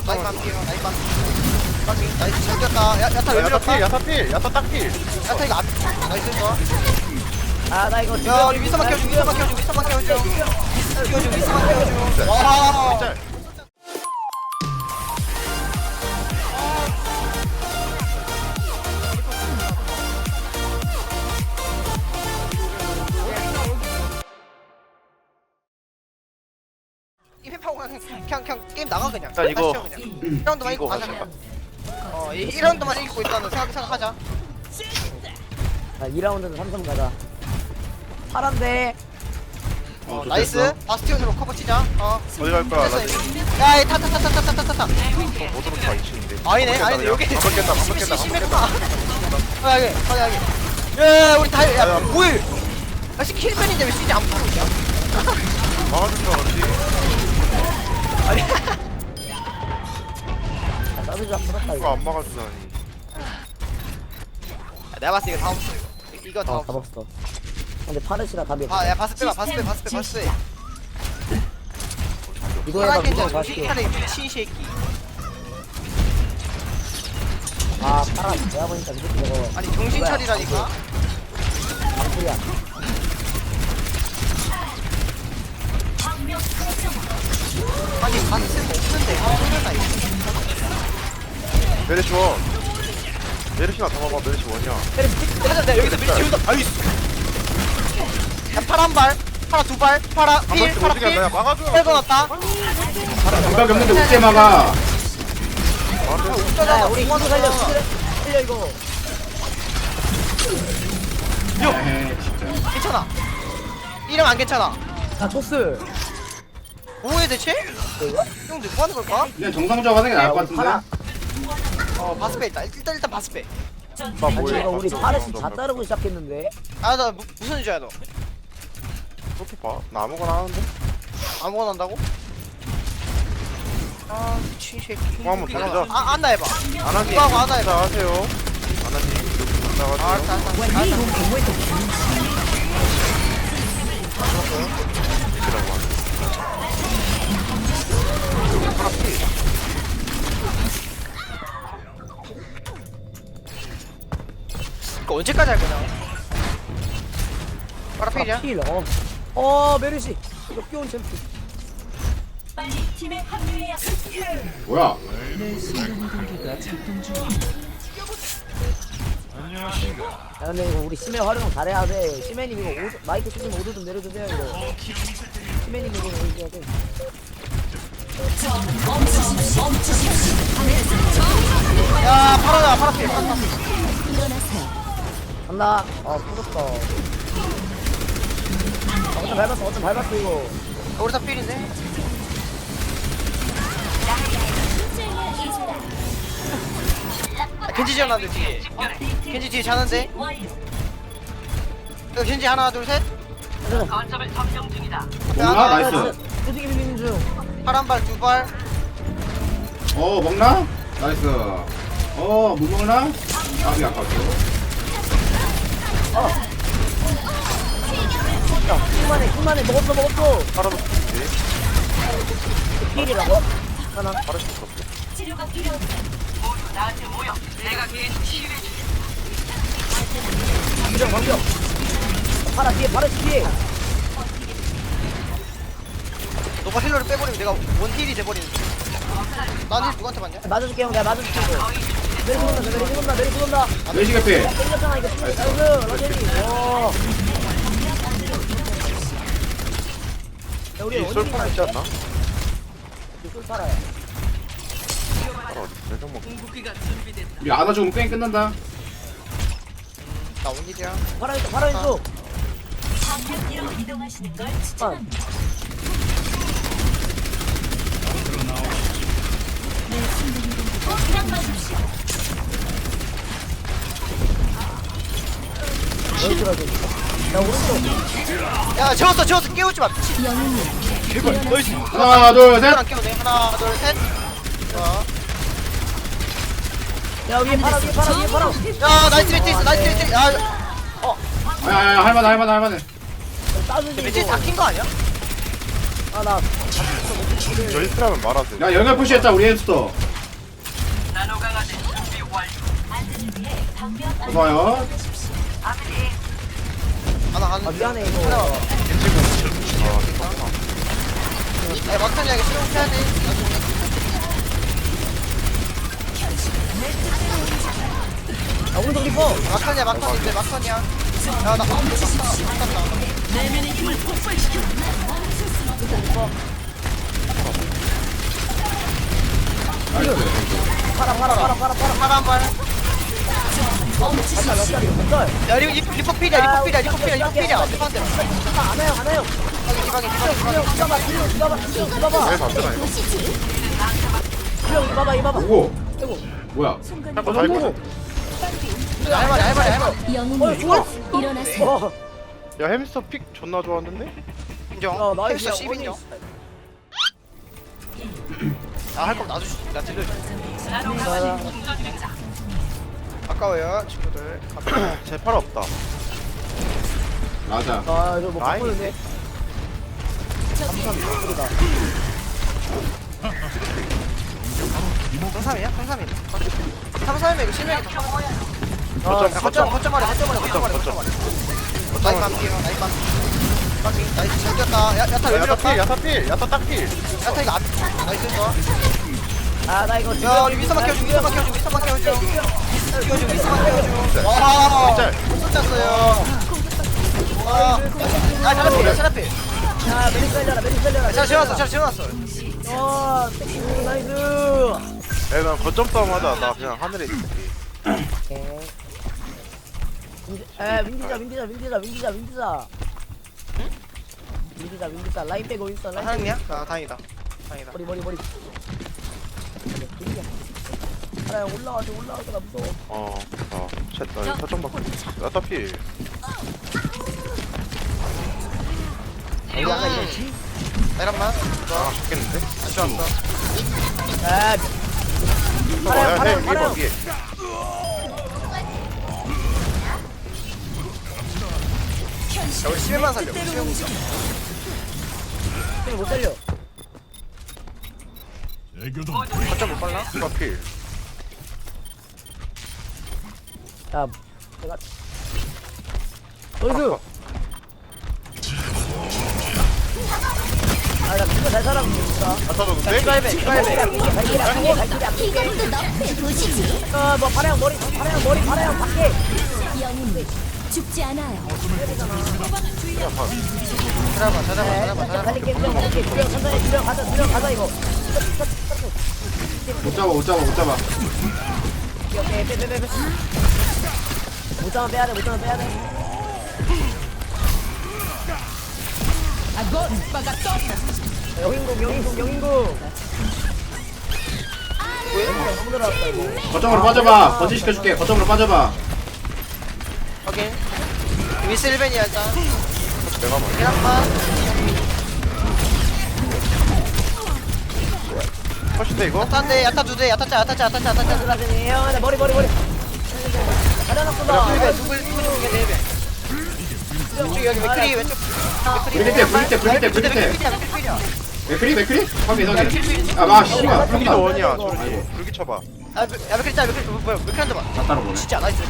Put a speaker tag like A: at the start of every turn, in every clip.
A: 나이스 반피요 나이스 반피 나이스 잘 뛰었다 야타 왜 밀었다
B: 야타 딱필
A: 야타 이거 앞 나이스 좋아
C: 아나 이거
A: 야 우리 윗선만 키워줘 윗선만 키워줘 윗선만 키워줘 윗선만 키워줘 와
B: 짤
A: 이 회파고 그냥 게임 나가 그냥
B: 자, 이거-
A: 1라운드만 이기고
B: 이거
A: 가자
B: 가자.
A: 어 1라운드만 이기고 있다는 생각하자
C: 자 2라운드는 삼성 가자 파란데
A: 나이스 바스티온으로 커버 치자
B: 어디 갈 거야 나
A: 야이 타타타타타타타타
B: 못 들어가 2층인데
A: 아니네 여기
B: 한번 깼다 한번 깼다
A: 심했구나 여기 야 우리 다야 뭐해 역시 킬맨인데 왜 CG 안 보고 있냐
B: 막아줄 줄 알았지
A: 아니
C: 자 서비스 풀었다
B: 이거
C: 이거
B: 안 막아주다니
A: 내가 봤을 때 이거 다 없어 이거 다
C: 어
A: 없어
C: 잡았어 근데 파르시라 답이 없어
A: 아야 바스 빼봐 바스 빼
C: 이거 해봐
A: 파란
C: 무조건
A: 괜찮아
C: 가실게
A: 파란 미친 새끼
C: 아 파란 내가 보니까 이렇게 저거
A: 아니 정신 차리라니까
C: 방풀이야
A: 아니 바스 없는데 소리나 이거
B: 메르시 원 메르시나 잡아봐 메르시 원이야
A: 하자 내가 여기서 밀치 여기서 아이스 야 파란 발 파라 두발 파라
B: 한
A: 필
B: 번씩
A: 파라
B: 어떻게 한다 야
A: 필
B: 막아줘
A: 빼고놨다
D: 감각이 없는데 어떻게 막아?
C: 야 우리 이거 살려 이거
D: 에이 진짜.
A: 괜찮아 이름 안 괜찮아
C: 자 토스
A: 뭐해 대체? 형 누구 하는 걸까?
D: 그냥 정상적으로 하는 게 나을 것 같은데.
C: 파라
A: 바스페 있다 일단 바스페
B: 나
C: 아니
B: 뭐해
C: 이거 우리 파르시 다 따르고 시작했는데
A: 아나 무슨 유저야 너
B: 그렇게 봐나 아무거나 하는데
A: 아무거나 한다고? 아 미친 새끼
B: 그거 한번 돌리자
A: 안나 해봐
B: 안하니
A: 누가 하고 안나 해봐
B: 하세요 안하니
A: 아
B: 나가세요
A: 알았어
B: 이라고 하네
A: 이거 언제까지 할 거냐 파라필이야?
C: 어 메르시 이거 끼운 챔프
D: 뭐야?
C: 야 근데 이거 우리 심해 활용 잘해야 돼 심해님 이거 마이크 쓰시면 오드 좀 내려주세요 이거 심해님 이거 얘기해야 돼
A: 야 파라야 파라필
C: 간다 풀었어 어쩜 밟았어 이거
A: 우리 다 필인데? 겐지 지어놨는데 뒤에 겐지 뒤에 자는데? 여기 겐지 하나 둘셋
D: 뭔가 나이스.
C: 두둑이 밀리는 중
A: 파란발 두발
D: 먹나? 나이스. 못 먹나? 아비 아깝죠.
C: 킹만해 먹었어
B: 팔아도 좋지
C: 필이라고? 하나
B: 팔을 수 없어
C: 방정 파라 뒤에
A: 너가 힐러를 빼버리면 내가 원힐이 돼버리는 난힐 누구한테 맞냐?
C: 맞아줄게 형 내가 맞아줄게 이거 메리 쏜다
D: 멜시 개피.
C: 땡겼잖아 이거 나이스 러제니 야 우리
B: 이
C: 어디
B: 쏠파 있지 않나?
C: 술 팔아요
B: 팔아 어디 내정 먹
D: 우리 아나 죽으면 게임 끝난다.
A: 나 원힐이야
C: 팔아 있어 야 오른쪽
A: 야 재웠어 깨우지마 제발 나이스
D: 하나 둘 셋.
A: 안 깨우네 하나 둘셋
C: 야 위에 팔아
A: 야 나이스 매트 있어 나이스 매트 야
D: 야야야 할만해.
C: 따주지
A: 매트 다킨 거 아니야?
C: 아나
B: 저 히트라면 말하세요.
D: 야 영역 푸시했다 우리 햄스터. 어서와요.
A: 아나
C: 아
A: 가는
C: 미안해 이거
A: 야 막탄이 하게 실용해야 돼 나중에
C: 아 오른쪽 리퍼
A: 막탄이야 막탄인데 막탄이야 야나 막탄다
D: 나이스.
C: 팔아
A: 파란 발
C: 몇 자리 몇 짤?
A: 야 리퍼 필이야 리퍼 한 대만
C: 안 와요
A: 디방에
C: 주령 이봐봐
B: 왜 반대나 이거?
C: 주령 이봐봐
D: 오고.
C: 아이고
D: 뭐야?
B: 한번 다 있거든.
A: 알바리
C: 어 좋아
E: 일어나세요.
B: 야 햄스터 픽 존나 좋았는데?
A: 인정
C: 나이스
A: 햄스터 10인정 나할 거면 놔주시 나 딜러줘 아까워요 친구들
B: 제팔 없다.
D: 맞아.
C: 아 이거 뭐
B: 라인이
C: 바꾸는데 감사합니다
A: 상삼이야? 상삼이 상삼이면 이거 실력이
C: 아
A: 거점말해 나이스 반피요 나이스 반피 나이스 잘 뛰었다 야타 왜 밀었다?
B: 야타 딱 필.
A: 야타 이거 앞 나이스 좋아
C: 나 이거
A: 야 우리 윗선만 키워줘 윗선만 키워줘 와
B: 짤.
A: 못 짰어요 차라피
C: 야 메리스 살려라
A: 잘 지어놨어
C: 나이스
B: 야, 난 거점 싸움 하자. 나 그냥 하늘에 있을게.
C: 윈디자 라인 빼고 있어 라인
A: 하나님이야? 아 다행이다
C: 머리 하나 올라와줘 나 무서워
B: 나 사점 받고. 야타 필.
C: 여기 아까 이랬지?
A: 내란만
B: 아, 죽겠는데?
A: 다시 왔어
C: 파라요
B: 위에 봐, 위에.
A: 야 우리 11만 살려 11만
C: 못 살려
A: 거점 못 빨라?
B: 야타 필.
C: 야 내가 어이구 아나 그거 잘 살았으니까
B: 야타 줬는데?
A: 기발배
C: 발길이
E: 이것도 너프에 보시지.
C: 뭐 파라형 머리 파라형 밖에
E: 영웅은 죽지 않아요.
A: 찾아봐
C: 달릴게 주령 가자 이거
D: 못 잡아.
C: 오케이 빼 못 잡으면 빼야 돼 영인국 너무 들어왔다 이거
D: 거점으로 빠져봐. 번지 시켜줄게. 거점으로 빠져봐.
A: 오케이 미스 1벤이야 일단
B: 내가 말해.
A: 계란만
B: 컷인데 이거?
A: 야타인데 야타 두대 야타짜
C: 들어가더니 형 머리 가려놨구나
A: 누굴 두개 4배 여기 맥크리 왼쪽
D: 맥크리. 확인. 아 씨발.
B: 불기도
D: 불기다.
B: 원이야. 저기 불기 쳐봐.
A: 야 맥크리 짜 뭐야 맥크리 한대 봐
D: 다 따라보네.
A: 진짜 나이스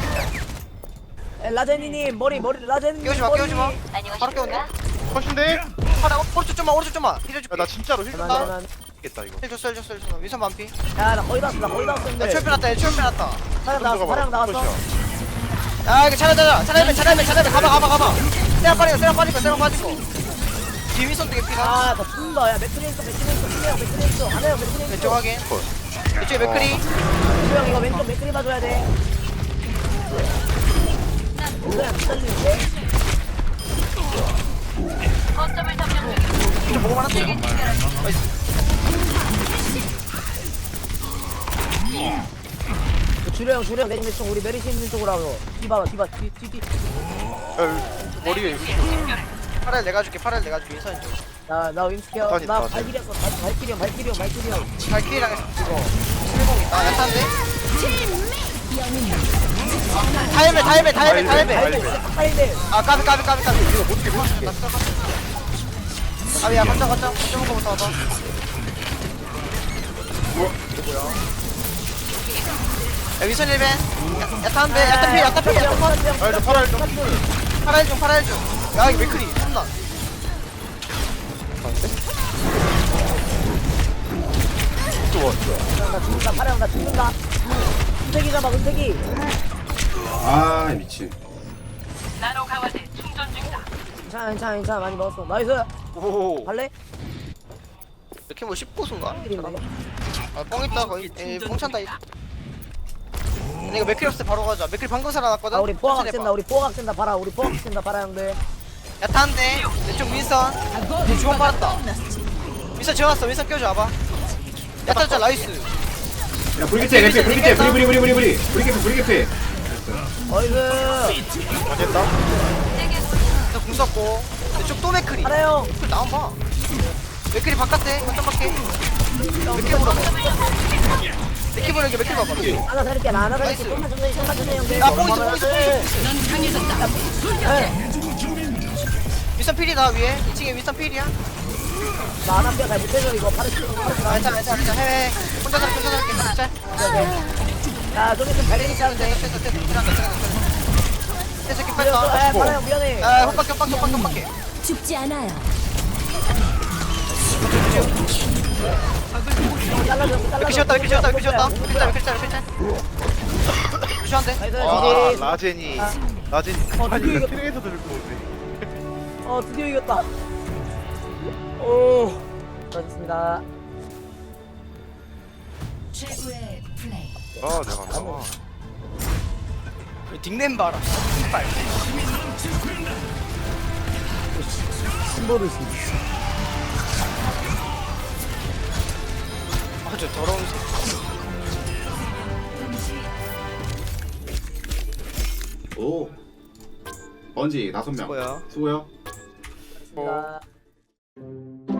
C: 라제니님 머리 라제니님
A: 끼우지 마 바로 끼웠네
B: 컷인데?
A: 하나 오른쪽 좀만 힐해줄게
B: 나 진짜로 힐 겠다 이거.
A: 힐줬어 위선 반피
C: 야나 거의 다 왔어
A: 야
C: 근데
A: 철표 났다
C: 사랑 나왔어
A: 야 이거 차례 가봐 세랑 빠지고 뒤위선 되게 피가
C: 아나 죽는다 야 맥크리 있어 안 해요 맥크리
A: 왼쪽 확인 이쪽에 맥크리
C: 형 이거 왼쪽 맥크리 봐줘야 돼 그냥 살리는데
A: 좀 보고만 할게
C: 주령 내집 쪽 우리 메리시 있는 쪽으로 하고 뒤 뒤
B: 야, 머리에 이거
A: 팔을 내가 줄게 위선 쪽
C: 나 윈스케어
B: 다시,
C: 나
B: 다시.
C: 발길이 형
A: 발키리랑 이거 실공 있다 야타인데 다이베
C: 다이베
A: 아 까비
B: 이거 못게
A: 나 아야 걷자 걷는 거부터 와봐. 야 위선 1벤. 야타 한 배. 야타 필.
B: 아 이제 팔아 좀.
A: 팔아일 중. 야 이거 맥크리 혼나.
C: 나 죽는다 파랑 나 죽는다 은택이 잡아 은택이
D: 아 미친.
C: 괜찮아 많이 먹었어 나이스
B: 오.
C: 갈래?
A: 이렇게 뭐 19수인가?
C: 일인데
A: 아뻥 있다 거의. 에이 뻥 찬다. 근데 이거 맥크리 없을 때 바로 가자. 맥크리 방금 살아났거든.
C: 아 우리 포화각
A: 천천히
C: 센다
A: 해봐.
C: 우리 포화각 센다 봐라 우리 포화각 센다 봐라 형들
A: 야타 한 대. 왼쪽 윈선. 니 주먹 받았다. 윈선 지어놨어. 윈선 껴줘 와봐. 야타 진짜 나이스.
D: 야 브리기테 개피 브리기테 브리기테.
C: 나이스
B: 맞겠다.
A: 나궁 썼고. 왼쪽 또 맥크리.
C: 파라 형
A: 맥크리 나와봐. 맥크리 바깥에. 거점 밖에. 맥크리 보러. 맥크리 보러 맥크리 봐봐.
C: 하나 살릴게 나 하나 살릴게
A: 나이스.
C: 좀만 천천히 형들
A: 야 뽕 있어. 윈선 필이다 위에. 2층에 윈선 필이야.
C: 나 하나 뼈잘 못해줘 이거 파르시
A: 아 괜찮아 해해. 혼자 살게 진짜.
C: 야 저기 좀 달리니까 하는데
A: 새끼
C: 아
A: 뺐다.
C: 파라 형 미안해
A: 아 헛박혀.
E: 죽지 않아요.
C: 잘라줘
A: 맥크리 쉬었다. 루시한데.
C: 나이스
B: 아
C: 지지
B: 라젠이. 라젠이
C: 어,
B: 아니
C: 드디어
B: 이거 트랙에서 들고 오네.
C: 드디어 이겼다 오 수고하셨습니다
E: 최고의 플레이.
B: 아 내가 나와.
A: 닉네임 봐라. 신발.
C: 신보르시
A: 아저 더러운
D: 오. 번지 5명.
A: 뭐야?
D: 수고요.
C: 자